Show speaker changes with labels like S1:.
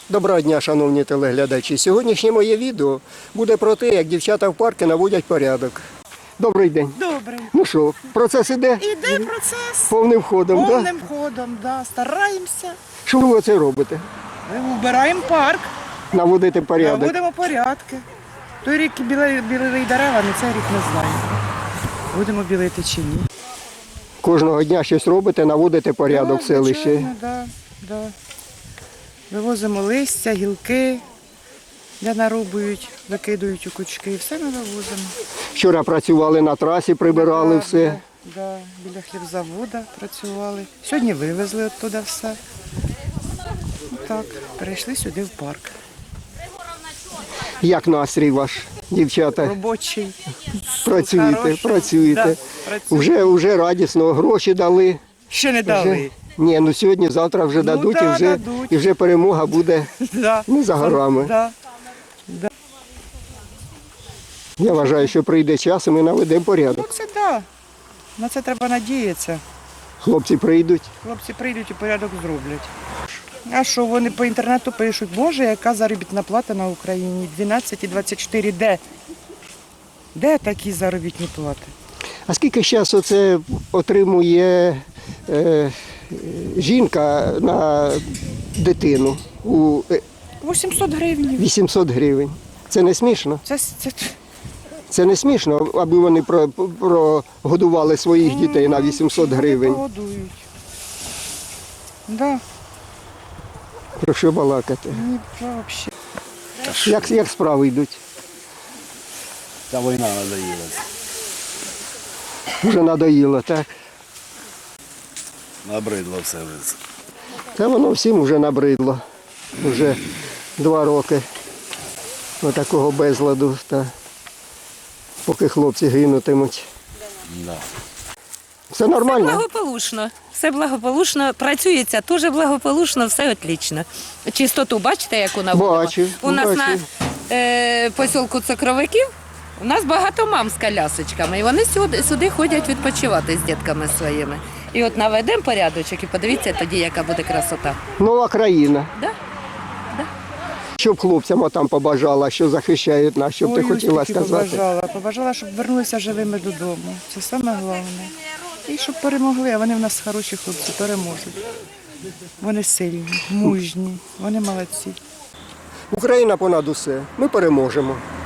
S1: Доброго дня, шановні телеглядачі. Сьогоднішнє моє відео буде про те, як дівчата в парку наводять порядок. Добрий день.
S2: Добре.
S1: Ну що, процес іде?
S2: Іде процес
S1: Повним ходом, так?
S2: повним ходом, да. Стараємося.
S1: Що ви це робите?
S2: Вбираємо парк,
S1: Наводити порядок.
S2: наводимо порядки. Той рік білили дерева, але цей рік не знаю. Будемо білити чи ні.
S1: Кожного дня щось робите, наводите порядок в селищі.
S2: Звичайно, да. Вивозимо листя, гілки, де нарубують, викидують у кучки. Все ми вивозимо.
S1: Вчора працювали на трасі, прибирали все.
S2: Да, біля хлібзаводу працювали. Сьогодні вивезли оттуда все. Так, перейшли сюди в парк.
S1: Як настрій ваш, дівчата?
S2: Робочий.
S1: Працюєте,
S2: Хороший.
S1: працюєте.
S2: Да, працюємо.
S1: Вже радісно, гроші дали.
S2: Ще не дали.
S1: Ні, ну сьогодні, завтра вже дадуть,
S2: да,
S1: і
S2: дадуть.
S1: вже перемога буде
S2: Да.
S1: не за горами.
S2: Да.
S1: Я вважаю, що прийде час і ми наведемо порядок.
S2: Ну це да. На це треба надіятися.
S1: Хлопці прийдуть.
S2: Хлопці прийдуть і порядок зроблять. А що вони по інтернету пишуть? Боже, яка заробітна плата на Україні? 12 і 24. Де? Де такі заробітні плати?
S1: А скільки зараз оце отримує жінка на дитину?
S2: 800 гривень.
S1: 800 гривень. Це не смішно?
S2: Це
S1: Це не смішно, аби вони прогодували своїх дітей на 800 гривень.
S2: Погодують. Да.
S1: Про що балакати?
S2: Ні, взагалі.
S1: Як справи йдуть?
S3: Та війна надоїла.
S1: Вже надоїло, так?
S3: Набридло все вже.
S1: Та воно всім вже набридло. Вже 2 роки такого безладу, та поки хлопці гинутимуть.
S3: Да.
S1: Все нормально?
S4: Все благополучно, працюється дуже благополучно, все отлично. Чистоту бачите, яку наводимо?
S1: Бачу,
S4: У нас
S1: бачу.
S4: на посілку Цукровиків у нас багато мам з колясочками, і вони сюди ходять відпочивати з дітками своїми. І от наведемо порядочок і подивіться тоді, яка буде красота.
S1: Нова країна.
S4: Да?
S1: Щоб хлопцям там побажала, що захищають нас, щоб ти
S2: Ой,
S1: хотіла
S2: ось таки
S1: сказати.
S2: Побажала, щоб вернулися живими додому. Це саме головне. І щоб перемогли, а вони в нас хороші хлопці, переможуть. Вони сильні, мужні, вони молодці.
S1: Україна понад усе. Ми переможемо.